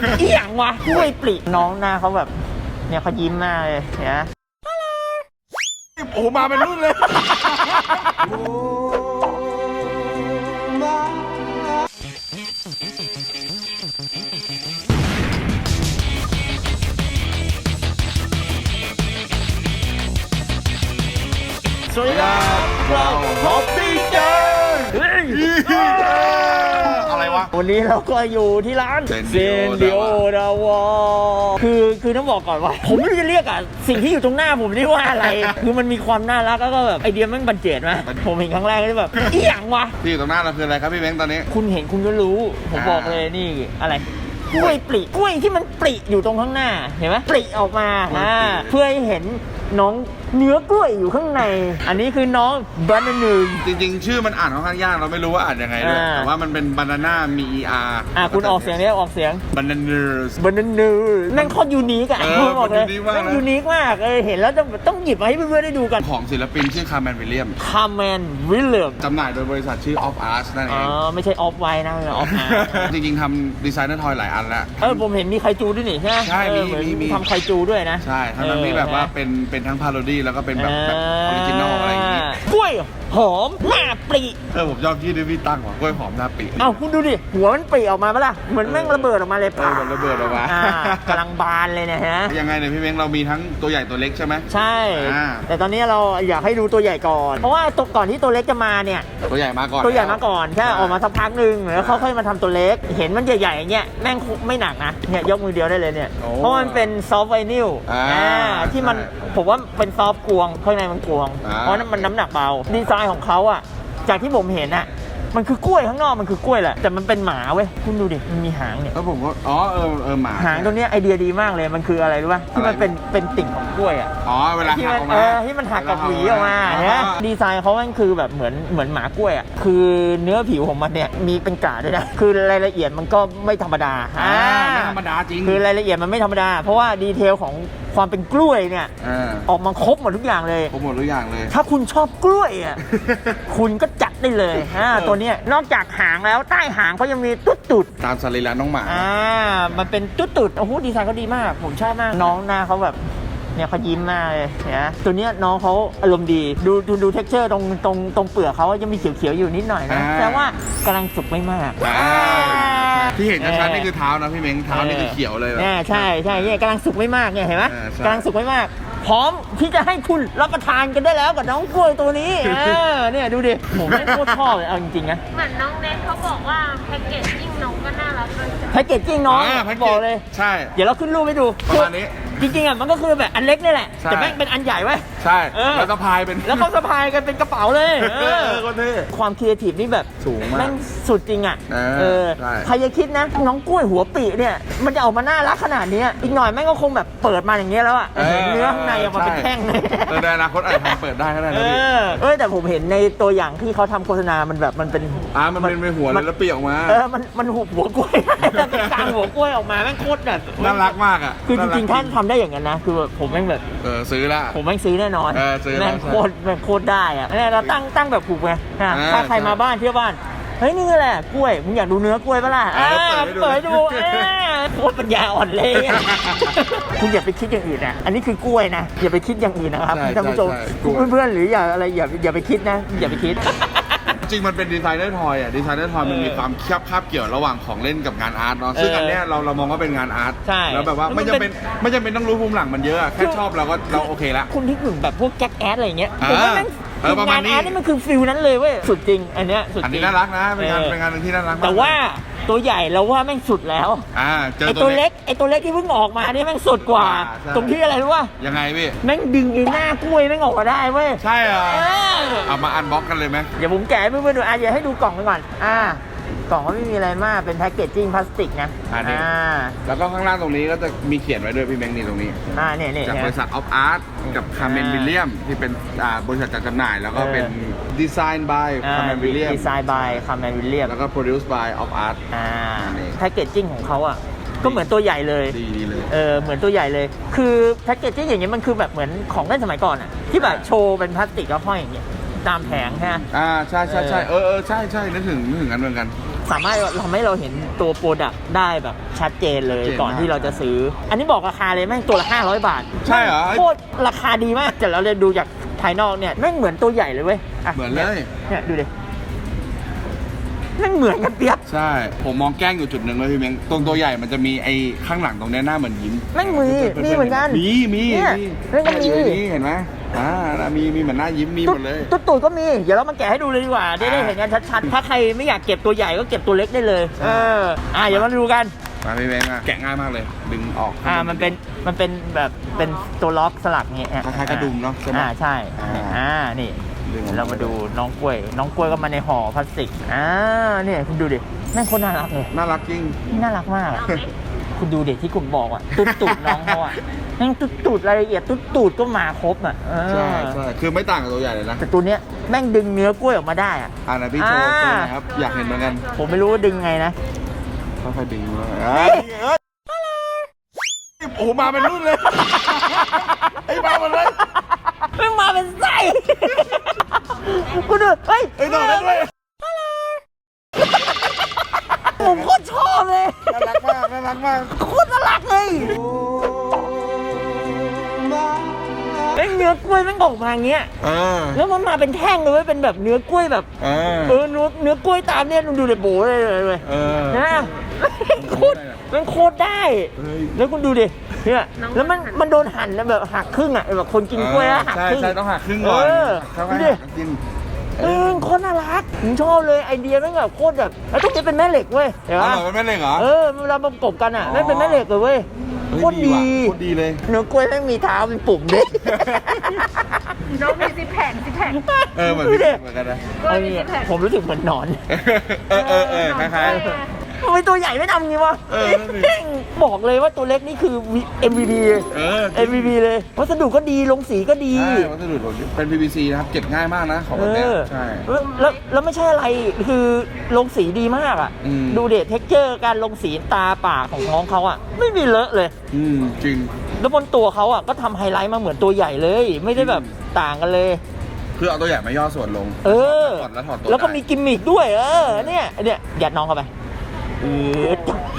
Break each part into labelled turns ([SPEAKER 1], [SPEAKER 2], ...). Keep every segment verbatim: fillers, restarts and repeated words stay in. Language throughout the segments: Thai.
[SPEAKER 1] อีหยังวะกล้วยปลีน้องหน้าเขาแบบเนี่ยเขายิ้มมากเลยเนี่ย
[SPEAKER 2] โอ้มาเป็นรุ่นเลย
[SPEAKER 1] สวัสดีครับเราฮอปปี้เจอร์
[SPEAKER 2] อะไรวะ
[SPEAKER 1] วันนี้เราก็อยู่ที่ร้านเซนเดียดาวอคือคือต้องบอกก่อนว่าผมไม่รู้จะเรียกอ่ะสิ่งที่อยู่ตรงหน้าผมนี่ว่าอะไร คือมันมีความน่ารักแล้วก็แบบไอเดียมันบันเจิดไหมผมเห็นครั้งแรกก็แบบอีหยังวะ
[SPEAKER 2] ที่อยู่ตรงหน้าเราคืออะไรครับพี่เม้งตอนนี้
[SPEAKER 1] คุณเห็นคุณก็รู้ผมบอกเลยนี่อะไรกล้วยปลีกล้วยที่มันปลีอยู่ตรงข้างหน้าเห็นไหมปลีออกมาอ่าเพื่อให้เห็นน้องเนื้อกล้วยอยู่ข้างใน อันนี้คือน้องบานาน่า
[SPEAKER 2] จริงๆชื่อมันอ่านค่อนข้างยากเราไม่รู้ว่าอ่านยังไงด้วยแต่ว่ามันเป็นบานาน่ามี อี อาร์
[SPEAKER 1] อ่ะคุณออกเสียงนี้ออกเสียง
[SPEAKER 2] บานาน่า
[SPEAKER 1] บานาน่านั่นโคตรยูนิคอะผมบอกเลยนั่นยูนิคมากเออเห็นแล้วต้องต้องหยิบมาให้เพื่อนๆได้ดูกัน
[SPEAKER 2] ของศิลปินชื่อคาร์แมนวิลเลียม
[SPEAKER 1] คาร์แมนวิลเลียม
[SPEAKER 2] จำหน่ายโดยบริษัทชื่อ Of Art นั่นเอง
[SPEAKER 1] อ๋อไม่ใช่ออฟไวนะออฟอาร์
[SPEAKER 2] จริงๆทำดีไซเนอร์ทอยหลายอันแล้ว
[SPEAKER 1] เออผมเห็นมีไคจูด้วยนี่ใช่ไหม
[SPEAKER 2] ใช่มีมีมี
[SPEAKER 1] ทำไคจูด้วยนะ
[SPEAKER 2] ใช่ทั้งนั้นที่แบบว่าเป็นเป็นทั้งพาโรดี้แล้วก็เป็นแบบแบบออริจินอลอะไรอย่างงี้
[SPEAKER 1] กล้วยหอมหน้าปรี
[SPEAKER 2] เออผมชอบที่ดิพี่ตั้งว่ะกล้วยหอมหน้าปรี
[SPEAKER 1] เอ้าคุณดูดิหัวมันปรีออกมาปะล่ะเหมือนแม่งระเบิดออกมาเลย
[SPEAKER 2] ป่ะระเบิดออกมาก
[SPEAKER 1] ำลังบานเลยเนี่ยฮะ
[SPEAKER 2] ยังไงเนี่ยพี่เม้งเรามีทั้งตัวใหญ่ตัวเล็กใช่ไหม
[SPEAKER 1] ใช่แต่ตอนนี้เราอยากให้ดูตัวใหญ่ก่อนเพราะว่าตัวก่อนที่ตัวเล็กจะมาเนี่ย
[SPEAKER 2] ตัวใหญ่มาก่อน
[SPEAKER 1] ตัวใหญ่มาก่อนแค่ออกมาสักพักหนึ่งแล้วเขาค่อยมาทำตัวเล็กเห็นมันใหญ่ๆอย่างเงี้ยแม่งไม่หนักนะเนี่ยยกมือเดียวได้เลยเนี่ยเพราะมันเป็นซอฟต์ไวนิลที่มันผมว่าเป็นซอฟต์กวงข้างในมันกวงเพราะนั้นมันน้ำหนักเบาดีไซน์ของเขาอ่ะจากที่ผมเห็นอ่ะมันคือกล้วยข้างนอกมันคือกล้วยแหละแต่มันเป็นหมาเว้ยคุณดูดิมันมีหางเนี่ย
[SPEAKER 2] แล้วผมก็อ๋อเออเออหมา
[SPEAKER 1] หางตัวนี้ไอเดียดีมากเลยมันคืออะไรรู้ป่ะที่มันเป็นเป็นติ่งของกล้วยอ่ะ
[SPEAKER 2] อ๋อเวลาหักออกมา
[SPEAKER 1] เออที่มันหักกับหวีออกมาเนี่ยดีไซน์เขามันคือแบบเหมือนเหมือนหมากล้วยอ่ะคือเนื้อผิวของมันเนี่ยมีเป็นกาด้วยนะคือรายละเอียดมันก็ไม่ธรรมดา
[SPEAKER 2] อ่าไม่ธรรมดาจริง
[SPEAKER 1] คือรายละเอียดมันไม่ธรรมดาเพราะว่าดีเทลของความเป็นกล้วยเนี่ยออกมาครบหมดทุกอย่างเลย
[SPEAKER 2] ครบหมดทุกอย่างเลย
[SPEAKER 1] ถ้าคุณชอบกล้วยอ่ะ คุณก็จัดได้เลยอ่าตัวเนี้ยนอกจากหางแล้วใต้หางเขายังมีตุ๊ดตุด
[SPEAKER 2] ตามสรีระน้องหมา
[SPEAKER 1] อ่ามันเป็นตุ๊ดตุดโอ้โหดีไซน์เขาดีมากผมชอบมากน้องหน้าเขาแบบเนี่ยเขายิ้มมากเลยนะตัวเนี้ยน้องเขาอารมณ์ดีดูดูดูเท็กเจอร์ตรงตรงตรงเปลือกเขายังมีเขียวๆอยู่นิดหน่อยนะแต่ว่ากำลังสุกไม่มาก
[SPEAKER 2] ที่เห็นชัดๆนี่คือเท้านะพี่เม้งเท้านี่คือเขียวเลย
[SPEAKER 1] เนี่ยใช่ใช่เนี่ยกำลังสุกไม่มากเนี่ยเห็นไหมกำลังสุกไม่มากพร้อมที่จะให้คุณรับประทานกันได้แล้วกับน้องกล้วยตัวนี้เนี่ยดูดิผมไม่โคตรชอบเลยเอาจริงๆนะ
[SPEAKER 3] เหมือนน้องเน็ตเขาบอกว่าแพ็กเกจจิ้งน้องก็น่ารักเลย
[SPEAKER 1] แพ็กเกจจิ้งน้องบอกเลย
[SPEAKER 2] ใช่
[SPEAKER 1] เดี๋ยวเราขึ้นรูปให้ดู
[SPEAKER 2] ประมาณนี้
[SPEAKER 1] จริงๆอ่ะมันก็คือแบบอันเล็กนี่แหละแต่แม่งเป็นอันใหญ่ไว้
[SPEAKER 2] ใช่แล้วสะพายเป็น
[SPEAKER 1] แล้วเขาสะพายกันเป็นกระเป๋าเลยความครีเอทีฟนี่แบบ
[SPEAKER 2] สูงมาก
[SPEAKER 1] แม่งสุดจริงอ่ะ
[SPEAKER 2] เอ
[SPEAKER 1] อใครจะคิดนะน้องกล้วยหัวปีเนี่ยมันจะออกมาน่ารักขนาดนี้อีกหน่อยแม่งก็คงแบบเปิดมาอย่างเงี้ยแล้วอ่ะเห็นเนื้อข้างในออกมาเป็นแท่งเลย
[SPEAKER 2] ในอนาคตอาจจะทำเปิดได้ก็ได้นะพี่
[SPEAKER 1] เออแต่ผมเห็นในตัวอย่างที่เขาทำโฆษณามันแบบมันเป็น
[SPEAKER 2] อ่ามันเป็นหัวเลยแล้วปีออกมา
[SPEAKER 1] เออมันมันหุบหัวกล้วยเป็นกลางหัวกล้วยออกมาแม่งโคตรแบบ
[SPEAKER 2] น่ารักมากอ่ะ
[SPEAKER 1] คือจริงๆท่านทำได้อย่างนั้นนะคือผมแม่งแบบ
[SPEAKER 2] เออซื้อละ
[SPEAKER 1] ผมแม่งซื้อแน่นอนแม่งโคตรแม่งโคตรได้อ่ะเนี่ยเราตั้งตั้งแบบผูกไงถ้าใครมาบ้านเที่ยวบ้านเฮ้ยนี่แหละกล้วยมึงอยากดูเนื้อกล้วยปะล่ะเปิดดูโคตรปัญญาอ่อนเลยคุณอย่าไปคิดอย่างอื่นนะอันนี้คือกล้วยนะอย่าไปคิดอย่างอื่นนะครับท่านผู้ชมเพื่อนๆหรืออย่าอะไรอย่าอย่าไปคิดนะอย่าไปคิด
[SPEAKER 2] จริงมันเป็นดีไซเนอร์ทอยอ่ะดีไซเนอร์ทอยมันมีความคาบคาบเกี่ยวระหว่างของเล่นกับงานอาร์ตเนาะซึ่งอันเนี้ยเราเรามองว่าเป็นงานอาร์ตแล้วแบบว่าไม่จำเป็นไม่จำเป็นต้องรู้ภูมิหลังมันเยอะแค่ชอบเราก็เราโอเคละ
[SPEAKER 1] คุณที่ถึงแบบพวกแก๊กแอดอะไรเงี้ยผมว่าแม่งงานอาร์ตนี่มันคือฟิลนั้นเลยเว้ยสุดจริงอันเนี้ยสุดจริง
[SPEAKER 2] อันนี้น่ารักนะเป็นงานเป็นงานหนึ่งที่น่ารัก
[SPEAKER 1] แต่ว่าตัวใหญ่เราว่าแม่งสุดแล้ว
[SPEAKER 2] อ่า
[SPEAKER 1] ไอตัวเล็กไอตัวเล็กที่เพิ่งออกมาเนี่ยแม่งสุดกว่าตรงที่อะไรรู้ป่ะ
[SPEAKER 2] ยังไงพี่
[SPEAKER 1] แม่งดึงไอ้หน้ากล้วยแม่งออกมาได้เว้ย
[SPEAKER 2] ใช่เหรอเอามาอันบ็อกกันเลยไหม
[SPEAKER 1] เดี๋ยวผมแกะให้เพื่อนๆดูอ่ะเดี๋ยวให้ดูกล่องกันก่อนอ่ากล่องก็ไม่มีอะไรมากเป็นแพ็กเกจจิ้งพลาสติกนะ
[SPEAKER 2] อ่าแล้วก็ข้างล่างตรงนี้ก็จะมีเขียนไว้ด้วยพี่แบงค์นี่ตรงนี้
[SPEAKER 1] อ่าเนี่ยเนี่ย
[SPEAKER 2] จากบริษัท Of Art กับคาร์เมนวิลเลียมที่เป็นบริษัทจัดจำหน่ายแล้วก็เป็นดีไซน์ by คาร์เมนวิลเลียม
[SPEAKER 1] ดีไซน์ by คาร์เมนวิลเลียม
[SPEAKER 2] แล้วก็ produce by Of Art
[SPEAKER 1] อ่าแพ็กเกจจิ้งของเขาอ่ะก็เหมือนตัวใหญ่เลย
[SPEAKER 2] ดีดีเลย
[SPEAKER 1] เออเหมือนตัวใหญ่เลยคือแพ็กเกจจิ้งอย่างเงี้ยมันคือแบบเหมือนของเล่นสมัยก่อนอ่ะที่แบบโชว์เป็นพลาสติกแล้วห้อยอย่างเงี้ยตามแผงใช่ไหม
[SPEAKER 2] อ่าใช่ใช่ใช่เออเออใช่ใช่นึกถึงนึกถึงกันเหมือนกัน
[SPEAKER 1] สามารถทำให้เราเห็นตัวโปรดักต์ได้แบบชัดเจนเลยก่อนที่เราจะซื้อ อันนี้บอกราคาเลยแม่งตัวละห้าร้อยบาท
[SPEAKER 2] ใช่เหรอ
[SPEAKER 1] โคตรราคาดีมากแต่เราเลยดูจากภายนอกเนี่ยแม่งเหมือนตัวใหญ่เลยเว้ยะ
[SPEAKER 2] เหมือนเลย
[SPEAKER 1] เนี่ยดูดิแม่งเหมือนกันเปียบ
[SPEAKER 2] ใช่ผมมองแกล้งอยู่จุดหนึ่งเลยพี่เม้งตรงตัวใหญ่มันจะมีไอ้ข้างหลังตรงเนี้ยหน้าเหมือนยิ้ม
[SPEAKER 1] แม่งมีมีเหมือนกัน
[SPEAKER 2] มีมี
[SPEAKER 1] เนี่ย
[SPEAKER 2] มี
[SPEAKER 1] แม่งก็มี
[SPEAKER 2] อยู่ในนี้เห็นไหมอ่ามีมีเหมือนหน้ายิ้มมีหมดเลย
[SPEAKER 1] ตุ๊ดตูดก็มีเดี๋ยวเรามาแกะให้ดูเลยดีกว่าได้ได้เห็นกันชัดๆถ้าใครไม่อยากเก็บตัวใหญ่ก็เก็บตัวเล็กได้เลยเอออ่ะเดี๋ยวมาดูกัน
[SPEAKER 2] มาพี่เม้งอ่ะแกะง่ายมากเลย ดึงออก
[SPEAKER 1] อ่ามันเป็นมันเป็นแบบเป็นตัวล็อกสลักเงี้ย
[SPEAKER 2] คล้ายๆกระดุมเนาะใช่ไหม
[SPEAKER 1] อ่าใช่
[SPEAKER 2] อ่า
[SPEAKER 1] อ่านี่
[SPEAKER 2] ดึงออกมา
[SPEAKER 1] เรามาดูน้องกล้วย น้องกล้วยก็มาในห่อพลาสติกอ่าเนี่ยคุณดูดิแม่งโคตรน่ารักเลย
[SPEAKER 2] น่ารักจริง
[SPEAKER 1] น่ารักมากอะคุณดูเด็กที่ผมบอกอ่ะตุ๊ดตูดน้องเขาอ่ะแม่งตุ๊ดตูดรายละเอียดตุ๊ดตูดก็มาครบอ่ะเออ
[SPEAKER 2] ใช่ใช่คือไม่ต่างกับตัวใหญ่เลยนะ
[SPEAKER 1] แต่ตัวเนี้ยแม่งดึงเนื้อกล้วยออกมาได้อ่ะ
[SPEAKER 2] อ่านะพี่โชว์
[SPEAKER 1] อ่า
[SPEAKER 2] โชว์หนะครับอยากเห็นเหมือนกัน
[SPEAKER 1] ผมไม่รู้ว่าดึงไงนะ
[SPEAKER 2] ค่อยๆดึงมาอ่าเอ้ยโอ้โหมาเป็นรุ่นเลยไอ้มาหมดเลย
[SPEAKER 1] แม่งมาเป็นไส้กูดูเฮ้ย
[SPEAKER 2] ไอ้ยต่อได้ด้วย
[SPEAKER 1] ผมโคตรชอบเลย
[SPEAKER 2] น่ารักมากน่ารักมาก
[SPEAKER 1] โคตรน่ารักเลยไอ้เนื้อกล้วยแม่งออกมาอย่างเงี้ย
[SPEAKER 2] เออ
[SPEAKER 1] แล้วมันมาเป็นแท่งเลยเว้ยเป็นแบบเนื้อกล้วยแบบ
[SPEAKER 2] เออ
[SPEAKER 1] เออเนื้อเนื้อกล้วยตามเนี่ยดูเด็โบเลยเลย
[SPEAKER 2] เออ
[SPEAKER 1] นะโคตรมันโคตรได้
[SPEAKER 2] เฮ้ย
[SPEAKER 1] แล้วคุณดูดิเนี่ยแล้วมันมันโดนหั่นแล้วแบบหักครึ่งอ่ะแบบคนกินกล้วยแล้วหัก
[SPEAKER 2] ใช่
[SPEAKER 1] ครึ่ง
[SPEAKER 2] ใช่ต้องหักครึ่งก่อน
[SPEAKER 1] เออ
[SPEAKER 2] เข้าไป
[SPEAKER 1] ดูดิ
[SPEAKER 2] หักกิน
[SPEAKER 1] เออโคตรน่ารักผมชอบเลยไอเดียแม่งแบบโคตรแบบแล้วต้องเป็นแม่เหล็กเว้ยเห็น
[SPEAKER 2] อ๋อ
[SPEAKER 1] ปะ
[SPEAKER 2] เหรอไม่เล่นเหรอ
[SPEAKER 1] เออเวลาประกบกันอ่ะแม่งเป็นแม่เหล็กเลยเว้ย
[SPEAKER 2] เฮ้ย
[SPEAKER 1] โคตรดี
[SPEAKER 2] ว่ะโคตรดีเลย
[SPEAKER 1] เนื้อกล้วยแม่งมีเท้าเป็นปุ่มด้วย
[SPEAKER 3] น้องมีซิปแผงซิปแผง
[SPEAKER 2] เออเหมือน
[SPEAKER 1] ดู
[SPEAKER 2] พี่
[SPEAKER 1] ดิ
[SPEAKER 2] เหมือนกันนะ
[SPEAKER 3] กล้วยมีซิปแผง
[SPEAKER 1] ผมรู้สึกเหมือนหนอน
[SPEAKER 2] เออเออเออคล้าย
[SPEAKER 1] ทำไมตัวใหญ่ไม่ทำงี้วะ
[SPEAKER 2] เออนั่นดิ
[SPEAKER 1] แม่งบอกเลยว่าตัวเล็กนี่คือ เอ็ม วี พี
[SPEAKER 2] ๆเออ
[SPEAKER 1] เอ็ม วี พี เลยวัสดุก็ดีลงสีก็ดี
[SPEAKER 2] ใช่วัสดุเป็น พี วี ซี นะครับเก็บง่ายมากนะของ
[SPEAKER 1] เอ
[SPEAKER 2] แบบเนี้ย
[SPEAKER 1] อ
[SPEAKER 2] ใช่
[SPEAKER 1] แล้วแล้วแล้วไม่ใช่อะไรคือลงสีดีมากอ่ะ
[SPEAKER 2] อืม
[SPEAKER 1] ดูเดทเท็กเจอร์การลงสีตาปากของน้องเขาอ่ะ ไม่มีเลอะเลย
[SPEAKER 2] อืมจริง
[SPEAKER 1] แล้วบนตัวเขาอ่ะก็ทำไฮไลท์มาเหมือนตัวใหญ่เลย ไม่ได้แบบต่างกันเลย
[SPEAKER 2] คือเอาตัวใหญ่มาย่อส่วนลง
[SPEAKER 1] เออ
[SPEAKER 2] ถอดแล้วถอดตัว
[SPEAKER 1] แล้วก็
[SPEAKER 2] ได้
[SPEAKER 1] มีกิมมิคด้วย เออเนี่ยเนี่ยยัดน้องเข้าไปเออ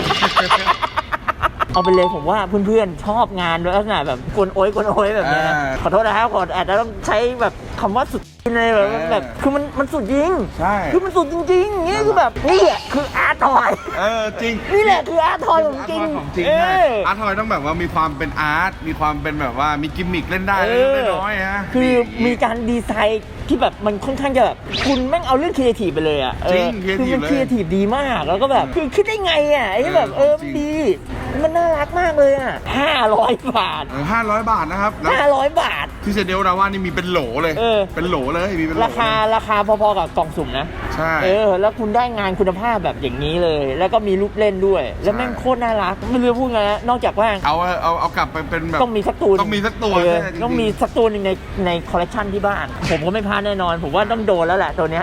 [SPEAKER 1] เอาไปเลยผมว่าเพื่อนๆชอบงานด้วยลักษณะแบบกวนโอยกวนโอยแบบเนี้ยนะ
[SPEAKER 2] อ่า
[SPEAKER 1] ขอโทษนะครับขออาจจะต้องใช้แบบคำว่าสุดในแบบ
[SPEAKER 2] เออ
[SPEAKER 1] แบบคือมันมันสุดจริง
[SPEAKER 2] ใช่
[SPEAKER 1] คือมันสุดจริงๆนี่คือแบบนี่แหละคืออาร์ทอย
[SPEAKER 2] เออจริง
[SPEAKER 1] นี่แหละคืออาร์ทอยของจริง
[SPEAKER 2] อาร์ตทอยของจริง
[SPEAKER 1] เอ
[SPEAKER 2] ใช่
[SPEAKER 1] อ
[SPEAKER 2] อาร์ตทอยต้องแบบว่ามีความเป็นอาร์ตมีความเป็นแบบว่ามีกิมมิคเล่นได้
[SPEAKER 1] เอ
[SPEAKER 2] เล่
[SPEAKER 1] อน
[SPEAKER 2] น้อยๆฮะ
[SPEAKER 1] คือ
[SPEAKER 2] ดี
[SPEAKER 1] มีการดีไซน์ที่แบบมันค่อนข้างจะแบบคุณแม่งเอาเรื่องครีเอทีฟไปเลยอ่ะเออ
[SPEAKER 2] จริง
[SPEAKER 1] คือ
[SPEAKER 2] creative
[SPEAKER 1] มัน
[SPEAKER 2] เลย
[SPEAKER 1] ครีเอทีฟดีมากแล้วก็แบบคือคิดได้ไงอ่ะไอ้ที่แบบเออ
[SPEAKER 2] จริง
[SPEAKER 1] มันดีมันน่ารักมากเลยอ่ะห้าร้อยบาท
[SPEAKER 2] ห้าร้อยบาทนะครับแล้ว
[SPEAKER 1] ห้าร้อยบาท
[SPEAKER 2] ที่เซเดลดาว่านี่มีเป็นโหลเลย
[SPEAKER 1] เออ
[SPEAKER 2] เป็นโหลเลยมีเป็นโหล
[SPEAKER 1] ราคาราคาพอๆกับกล่องสุ่มนะ
[SPEAKER 2] ใช่
[SPEAKER 1] เออ แล้วคุณได้งานคุณภาพแบบอย่างนี้เลย แล้วก็มีรูปเล่นด้วย แล้วแม่งโคตรน่ารัก ไม่รู้จะพูดไงนะนอกจากว่า
[SPEAKER 2] เอาเอาเอากลับไปเป็นแบบ
[SPEAKER 1] ต้องมีสักตัว
[SPEAKER 2] ต้องมีสักตัว
[SPEAKER 1] เออ
[SPEAKER 2] ใช่จริงๆ
[SPEAKER 1] ต้องมีสักตัวหนึงในในคอลเลคชันที่บ้าน ผมก็ไม่พลาดแน่นอน ผมว่าต้องโดนแล้วแหละตัวเนี้ย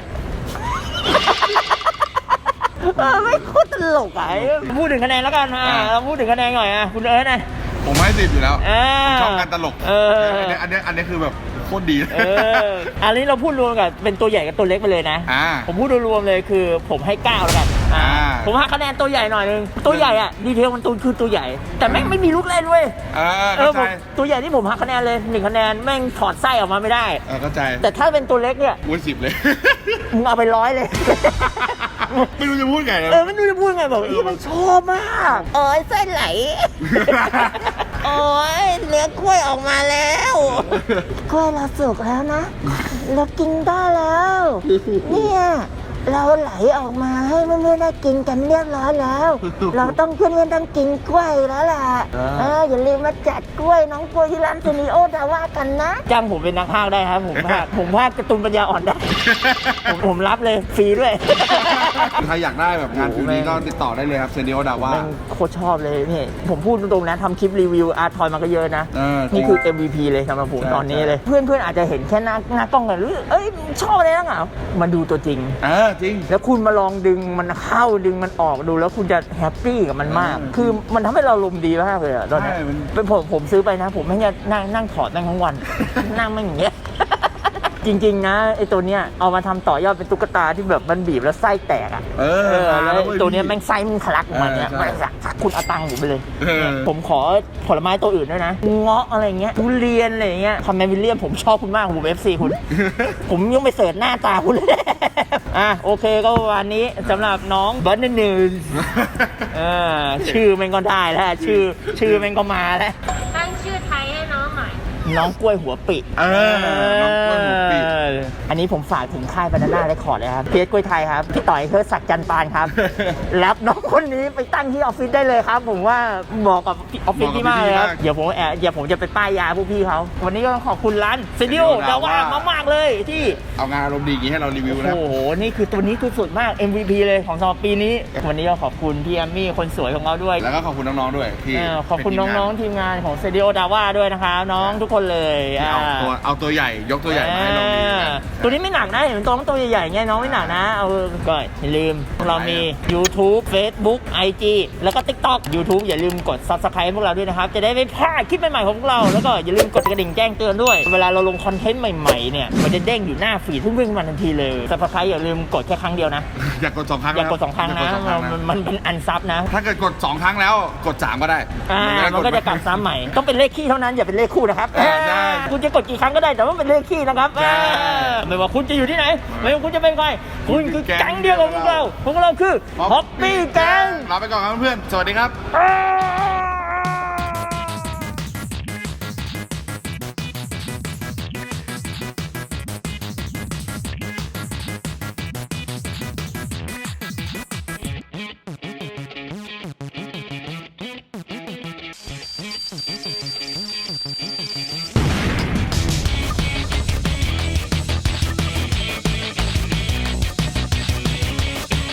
[SPEAKER 1] เออไม่โคตรตลกอ่ะพูดถึงคะแนนแล้วกันอ่ะเราพูดถึงคะแนนหน่อยอ่ะคุณเอิร์ธนะ
[SPEAKER 2] ผมให้สิบอยู่แล้ว
[SPEAKER 1] อ่า
[SPEAKER 2] ชอบการตลก
[SPEAKER 1] เออ
[SPEAKER 2] อันเนี้ยอันเนี้ยอันเนี้ยคือแบบโคตรดี
[SPEAKER 1] เอออันนี้เราพูดรวมกับเป็นตัวใหญ่กับตัวเล็กไปเลยนะ
[SPEAKER 2] อ่า
[SPEAKER 1] ผมพูดรวมๆเลยคือผมให้เก้าแล้วกันอ่า
[SPEAKER 2] อ่า
[SPEAKER 1] ผมให้คะแนนตัวใหญ่หน่อยนึง ตัวใหญ่อะดีเทลมันตัวคือตัวใหญ่ แต่แม่งไม่มีลูกเล่นเว้ย
[SPEAKER 2] เออ
[SPEAKER 1] เอ
[SPEAKER 2] เข้า
[SPEAKER 1] อ
[SPEAKER 2] ใจ
[SPEAKER 1] ผมตัวใหญ่ที่ผมหักคะแนนเลยหนึ่งคะแนนแม่งถอดไส้ออกมาไม่ได้
[SPEAKER 2] เออเข้าใจ
[SPEAKER 1] แต่ถ้าเป็นตัวเล็กเนี่ย
[SPEAKER 2] วุ้นสิบเลย
[SPEAKER 1] มึงเอาไปร้อยเลย
[SPEAKER 2] ไม่รู้จะพูดไงนะ
[SPEAKER 1] เออไม่รู้จะพูดไงบอกอีมันชอบมากโอ้ยไส้ไหล โอ้ยเนื้อกล้วยออกมาแล้วกล้วยเราสุกแล้วนะ เรากินได้แล้ว เนี่ยเราไหลออกมาให้เพื่อนๆได้กินกันเรียบร้อยแล้ว เราต้องเพื่อนๆต้องกินกล้วยแล้วล่ะเอออย่าลืมมาจัดกล้วยน้องกล้วยที่ร้านซูนิโอดาว่ากันนะจ้างผมเป็นนักพากย์ได้ครับผมพากย์ผมพากย์การ์ตูนปัญญาอ่อนได้ ผมผมรับเลยฟรีด้วย
[SPEAKER 2] ใครอยากได้แบบงานฟิวนี้ก็ติดต่อได้เลยครับเซนดิโอดาว่า
[SPEAKER 1] แม่งโคตรชอบเลยพี่ผมพูดตรงๆนะทำคลิปรีวิวอาร์ทอยมาก็เยอะนะ
[SPEAKER 2] เออจริง
[SPEAKER 1] นี่คือ เอ็ม วี พี เลยสำหรับผม
[SPEAKER 2] ใช่
[SPEAKER 1] ตอนนี้
[SPEAKER 2] ใช่
[SPEAKER 1] เลย เพื่อนๆอาจจะเห็นแค่หน้าหน้ากล้องกันหรือเอ้ยชอบอะไรนักเหรอมาดูตัวจริง
[SPEAKER 2] เออจริง
[SPEAKER 1] แล้วคุณมาลองดึงมันเข้าดึงมันออกดูแล้วคุณจะแฮปปี้กับมันมาก
[SPEAKER 2] อืม
[SPEAKER 1] คือมันทำให้เราลมณ์ดีมากเลยอะตอนนี้
[SPEAKER 2] ใช่มัน
[SPEAKER 1] เป็นผมผมซื้อไปนะ ผมไม่งั้นนั่งนั่งถอดนั่งทั้งวัน นั่งไม่อย่างเงี้ยจริงๆนะไอตัวเนี้ยเอามาทำต่อยอดเป็นตุ๊กตาที่แบบมันบีบแล้วไส้แตกอ่ะ
[SPEAKER 2] เออ
[SPEAKER 1] แล้วตัวเนี้ยแม่งไส้มันทะลักออกมาเนี้ย
[SPEAKER 2] เออใช่
[SPEAKER 1] มันสักคุณเอาตังค์ผมไปเลย
[SPEAKER 2] เออ
[SPEAKER 1] ผมขอผลไม้ตัวอื่นด้วยนะเงาะอะไรเงี้ยทุเรียนอะไรเงี้ยคอมเมนต์วิลเลียมผมชอบคุณมากผมเอฟซีคุณ ผมยังไปเสิร์ชหน้าตาคุณเลย อ่ะโอเคก็วันนี้สำหรับน้องเบิร์ดนิวส์เออชื่อมันก็ได้แล้วชื่อชื่อมันก็มาแล้ว
[SPEAKER 3] ตั้งชื่อไทยให้น้องหน่อย
[SPEAKER 1] น้องกล้วยหัวปี
[SPEAKER 2] เออน้องกล้วยหัวปี
[SPEAKER 1] อันนี้ผมฝากถึงค่ายบานาน่าเรคคอร์ดเลยครับเพียรกล้วยไทยครับพี่ต่อยเทิดศักดิ์จันทร์ปานครับ รับน้องคนนี้ไปตั้งที่ออฟฟิศได้เลยครับ ผมว่าเหมาะกับออฟฟิศที่มากเลยครับเดี๋ยวผมแอบเดี๋ยวผมจะไปป้ายยาพวกพี่เขาวันนี้ก็ต้องขอบคุณร้านเซดิโอดาว่ามากๆเลยที่
[SPEAKER 2] เอางานอารมณ์ดีอย่างนี้ให้เรารีวิวนะ
[SPEAKER 1] โอ้โห นี่คือตัวนี้คือสุดมาก เอ็ม วี พี เลยของสำหรับปีนี้ วันนี้ก็ขอบคุณพี่แอมมี่คนสวยของเราด้วย
[SPEAKER 2] แล้วก็ขอบคุณน้องๆด้วยที่
[SPEAKER 1] เออขอบคุณน้องๆทีมงานของเซดิโอดาว่าด้วยนะคะน้องทุกคนเลย
[SPEAKER 2] ที่เอาตัวเอาตัวใหญ่ยกตัวใหญ่มาให้เราดูกัน
[SPEAKER 1] ตัวนี้ไม่หนักนะ เห็นตัวตัวใหญ่ๆเงี้ยน้องไม่หนักนะ เอาก็อย่าลืมเรามี YouTube Facebook ไอ จี แล้วก็ TikTok YouTube อย่าลืมกด Subscribe พวกเราด้วยนะครับ จะได้ไม่พลาดคลิปใหม่ๆของพวกเรา แล้วก็อย่าลืมกดกระดิ่งแจ้งเตือนด้วย เวลาเราลงคอนเทนต์ใหม่ๆเนี่ยมันจะเด้งอยู่หน้าฟีดทุ่งวิ่งมาทันทีเลย Subscribe อย่าลืมกดแค่ครั้งเดียวนะ
[SPEAKER 2] อยากกดสองครั้ง
[SPEAKER 1] อย่ากดสองครั้งนะ
[SPEAKER 2] ย่ากดสองครั้ง
[SPEAKER 1] มัน
[SPEAKER 2] นะ
[SPEAKER 1] มันเป็นอันซับนะ
[SPEAKER 2] ถ้าเกิดกดสองครั้งแล้วกดสามก็ได้
[SPEAKER 1] อ่ามันก็จะกลับซ้ำใหม่ต้องเป็นเลขคี่เท่านั้นอย่าเป็นเลขคู่นะครับ
[SPEAKER 2] อ่าใช่
[SPEAKER 1] คุณจะกดกี่ครั้งก็ได้แต่ว่าเป็นเลขคี่นะครับ
[SPEAKER 2] ใช่
[SPEAKER 1] อ่าไม่ว่าคุณจะอยู่ที่ไหนไม่ว่าคุณจะเป็นใครคุณคือแก๊งเดียวกับพวกเราพวกเราคือฮอปปี้แก๊ง
[SPEAKER 2] ลาไปก่อนครับเพื่อนๆสวัสดีครับ
[SPEAKER 1] อ่า